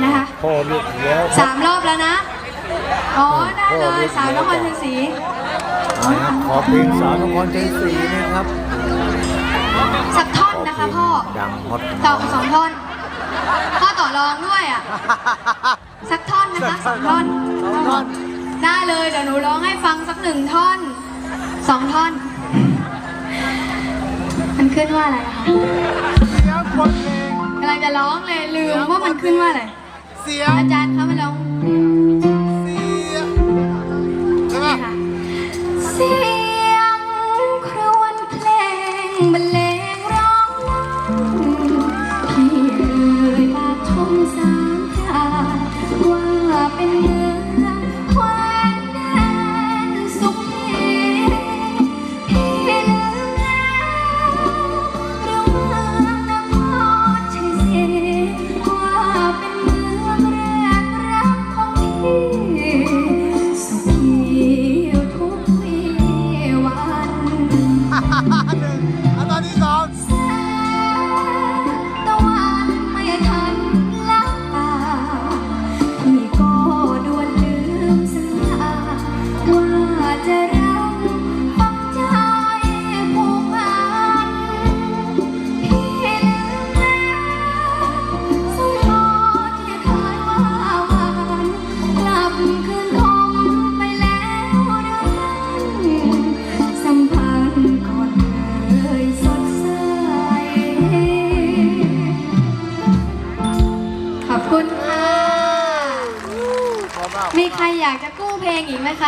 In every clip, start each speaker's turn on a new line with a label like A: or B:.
A: นะคะ
B: พ่อเลือกแล้ว
A: 3 รอบแล้วนะอ๋อได้เลยสาวนครชัยศรี
B: ขอเพลงสาวนครชัยศรีนะครับ
A: สักท่อนนะคะพ่อ
B: ดังฮอต
A: ต่อ2 ท่อนพ่อต่อรองด้วยอ่ะสักท่อนนะคะ2 ท่อนได้เลยเดี๋ยวหนูร้องให้ฟังสัก1 ท่อน2 ท่อนมันขึ้นว่าอะไรคะกำลังจะร้องเลยลืมว่ามันขึ้นว่าอะไรอาจารย์คะมาร้องใช่ไหมคะเสียงครวญเพลงบรรเลงร้องพี่เอ่ยปากชม3 พระว่าเป็นเมืองแคว้นแดนสุขีพี่ลืมแล้วเรื่องเมืองนครชัยศรีว่าเป็นเมืองแรกรักของพี่สุขีทุกวีวัน
C: ตอนที่2
A: แสงตะวันไม่ทันลับตาพี่ก็ด่วนลืมสัญญาว่าจะรักปักใจผูกพันพี่ลืมแล้วสมรสที่เคยว่าหวานกลับคืนคงไปแล้วหรือนั้นสัมพันธ์ก่อนเคยสดใสขอบคุณค่ะ มีใครอยากจะกู้เพลงอีกไหมคะ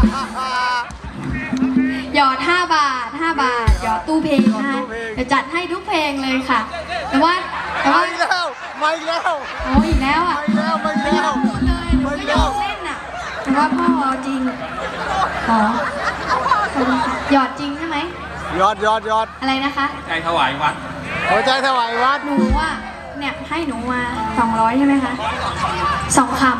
A: หยอด5 บาท5 บาทหยอดตู้เพลงนะคะจะจัดให้ทุกเพลงเลยค่ะ แต่ว่า
C: มาอีกแล้ว
A: โอ้อีกแล้วอ่ะ
C: มาอีกแล้ว
A: หมดเลยหนูไม่ยอมเล่นอ่ะแต่ว่าพ่อเอาจริงขอหยอดจริงใช่ไหม
C: ยอด
A: อะไรนะคะ
D: ใจถวายวัด
C: หัวใจถวายวัด
A: หนูอ่ะเนี่ยให้หนูมา200ใช่ไหมคะ2 คำ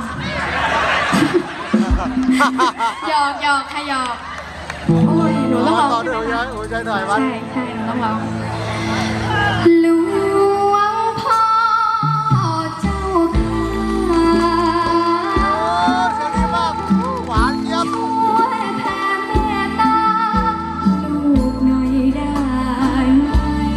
A: หยอกค่ะหยอกโอ้ยหนูต้องร้อง
C: ต่อด้วยหัวใจถวายวัด
A: ใช่หนูต้องร้องหลวงพ่อเจ้าค่ะ
C: เสียงดีมากหวานเจี๊ยบ
A: ช่วยแผ่เมตตาลูกหน่อยได้ไหม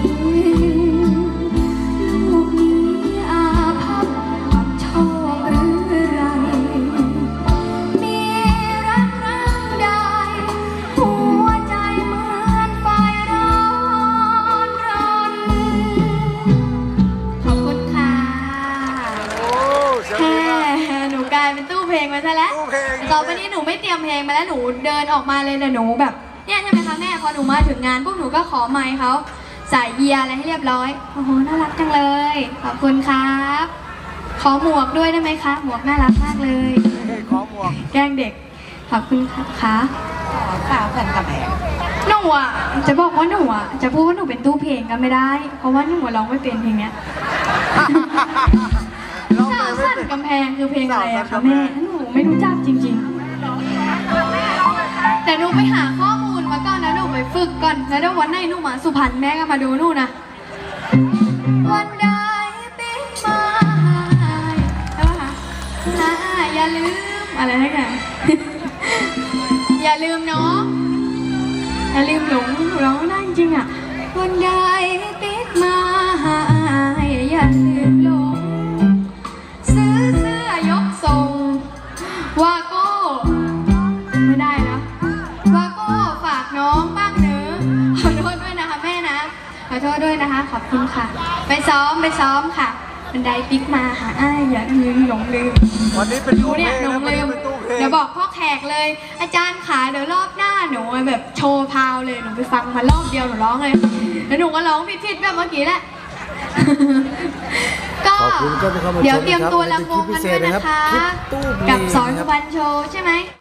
A: ลูกนี้อาภัพกับโชคหรือไรมีรักรักใดหัวใจเหมือนไฟร้อนรนขอบคุณค่ะแค่หนูกลายเป็นตู้เพลงมาซะแล้วต่อไปนี้หนูไม่เตรียมเพลงมาแล้วหนูเดินออกมาเลยนะหนูแบบเนี่ยใช่ไหมคะแม่พอหนูมาถึงงานพวกหนูก็ขอไมค์เขาใส่เยียร์อะไรให้เรียบร้อยโอ้โหน่ารักจังเลยขอบคุณครับขอหมวกด้วยได้ไหมคะหมวกน่ารักมากเลย
C: ขอหมวก
A: แกล้งเด็กขอบคุณค่ะ
C: ข่าวแผ่นกระแพง
A: หนูอ่ะจะบอกว่าหนูอ่ะจะพูดว่าหนูเป็นตู้เพลงก็ไม่ได้เพราะว่าหนูร้องไม่เป็นเพลงเนี้ยสาวสั่นกำแพงคือเพลงอะไรอะคะแม่หนูไม่รู้จักจริงๆแต่หนูไปหาข้อมูลมาก่อนนะหนูไปฝึกก่อนแล้วเดี๋ยววันไหนหนูมาสุพรรณแม่ก็มาดูหนูนะวันใดปิ๊กมาแล้วค่ะอย่าลืมอะไรนะกันอย่าลืมเนาะอย่าลืมหลงร้องได้จริงอ่ะวันใดติดมาหาอย่าลืมหลงซื้อเสื้อยกทรงว่าโก้ไม่ได้นะว่าโก้ฝากน้องบ้างเนอะขอโทษด้วยนะคะแม่นะขอโทษด้วยนะคะขอบคุณค่ะไปซ้อมค่ะบันไดปิ๊กมาหาอย่าลืมหลงลืม
C: วันนี้เป็นตู้เพลง
A: หนูลืมเดี๋ยวบอกพ่อแขกเลยอาจารย์ขาเดี๋ยวรอบหน้าหนูแบบโชว์พาวเลยหนูไปฟังมารอบเดียวหนูร้องเลยแล้วหนูก็ร้องผิดๆแบบเมื่อกี้แหละก็เดี๋ยวเตรียมตัวรำวงกันด้วยนะคะกับสอนสุวรรณโชว์ใช่ไหม